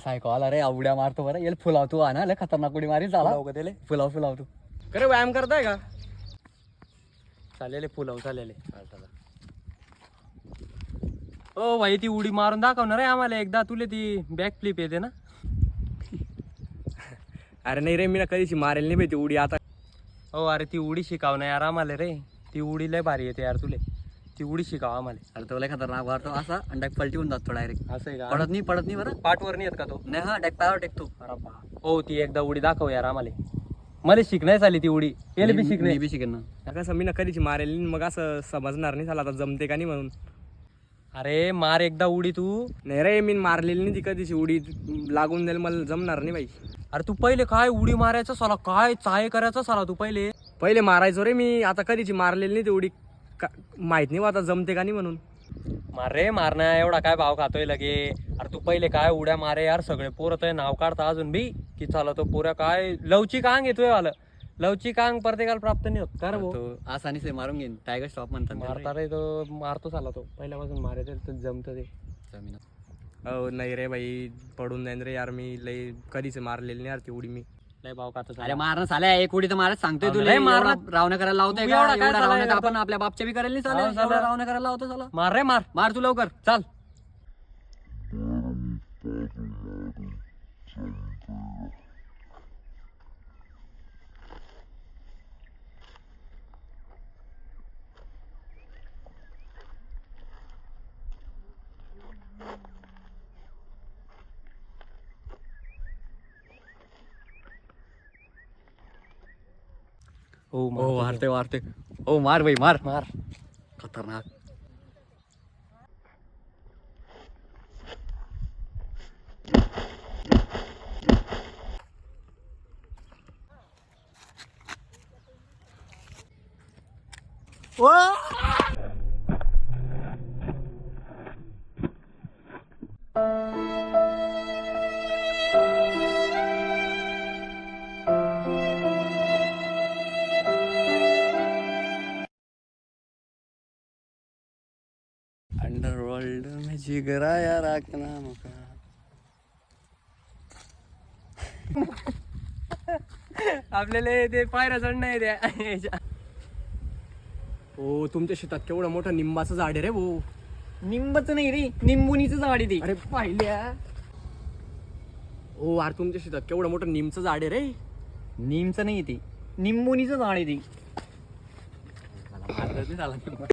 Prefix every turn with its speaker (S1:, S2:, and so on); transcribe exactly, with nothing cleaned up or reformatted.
S1: सायको आला रे उड्या मारतो बरं येल फुलावतो ना लय खतरनाक उडी मारी झाला फुलाव फुलावतो
S2: खरे व्यायाम करताय का चालेल फुलाव चालेल ओ भाई ती उडी मारून दाखवणार आहे आम्हाला एकदा तुले ती बॅक फ्लिप येते ना
S3: अरे नाही रे मी ना कधीची मारेल नाही ती उडी आता
S2: हो अरे ती उडी शिकाव ना यार आम्हाला रे ती उडी लय भारी येते यार तुले ती उडी शिकाव आम्हाला
S1: अरे तो लय खतरनाक मारतो असा आणि डायरेक्ट पलटी होऊन जातो डायरेक्ट
S2: असं आहे का
S1: पडत नाही पडत नाही बरं
S2: पाठवर नाही येत का तो
S1: नाही हा डायरेक्ट पायावर टेकतो
S2: अरे बा हो ती एकदा उडी दाखव यार आम्हाला मला शिकण्यास आली ती उडी याला बी शिकणे
S1: मी बी शिकेन ना
S3: कसं मी ना कधीची मारेल नाही मग असं समजणार नाही झालं आता जमते का नाही म्हणून
S2: अरे मार एकदा उडी तू
S3: नाही रे मी मारलेली नाही ती कधीची उडी लागून जाईल मला जमणार नाही बाई
S2: अरे तू पहिले काय उडी मारायचं साला काय चाय करायचं साला तू पहिले
S3: पहिले मारायचो रे मी आता कधीची मारलेली नाही ती उडी माहित नाही आता जमते का नाही म्हणून
S2: मार रे मारण्या एवढा काय भाव खातोय लगे अरे तू पहिले काय उड्या मारे यार सगळे पोरं तर नाव काढता अजून बी की चला तो पोऱ्या काय लवचिक अंग येतोय आलं लवचिक अंग प्रत्येकाला प्राप्त नाही होत का रे भाऊ?
S1: तो आसानी से मारून घेईन टायगर स्टॉप म्हणतात
S2: मारता रे तो मारतो चाला तो पहिल्यापासून मारायचं तर जमतं ते
S1: जमीन
S3: हो नाही रे बाई पडून जाईन रे यार मी लई कधीच मारलेली नाही यार ती उडी मी
S2: लय भाव खातो
S1: अरे मारणं साल्या एक उडी तर मारत सांगतोय तुला
S2: नाही मारणार.
S1: एवढा रावणं करायला लावतोय
S2: तू
S1: का
S2: एवढा काय
S1: एवढा रावणं
S2: चालायला
S1: तर आपण आपल्या बापच्या बी करायला नाही
S2: हो,
S1: चालेल
S2: चालेल.
S1: एवढा रावणं करायला लावतो चला
S2: मार रे मार
S1: मार तू लवकर
S2: चाल हो
S1: हो मारते मारते हो मार भाई मार
S2: मार
S1: खतरनाक अंडरवर्ल्ड में जिगराया रखना मुका
S2: आपल्याला ते पायऱ्या चढणं आहे त्या
S3: हो तुमच्या शेतात केवढं मोठं निंबाचं झाड आहे रे भाऊ
S1: निंबच नाही रे निंबुनीच झाड आहे ते
S3: अरे पाहिल्या हो अरे तुमच्या शेतात केवढं मोठं निमचं झाड आहे रे
S1: निमचं नाही ते निंबुनीच झाड आहे ते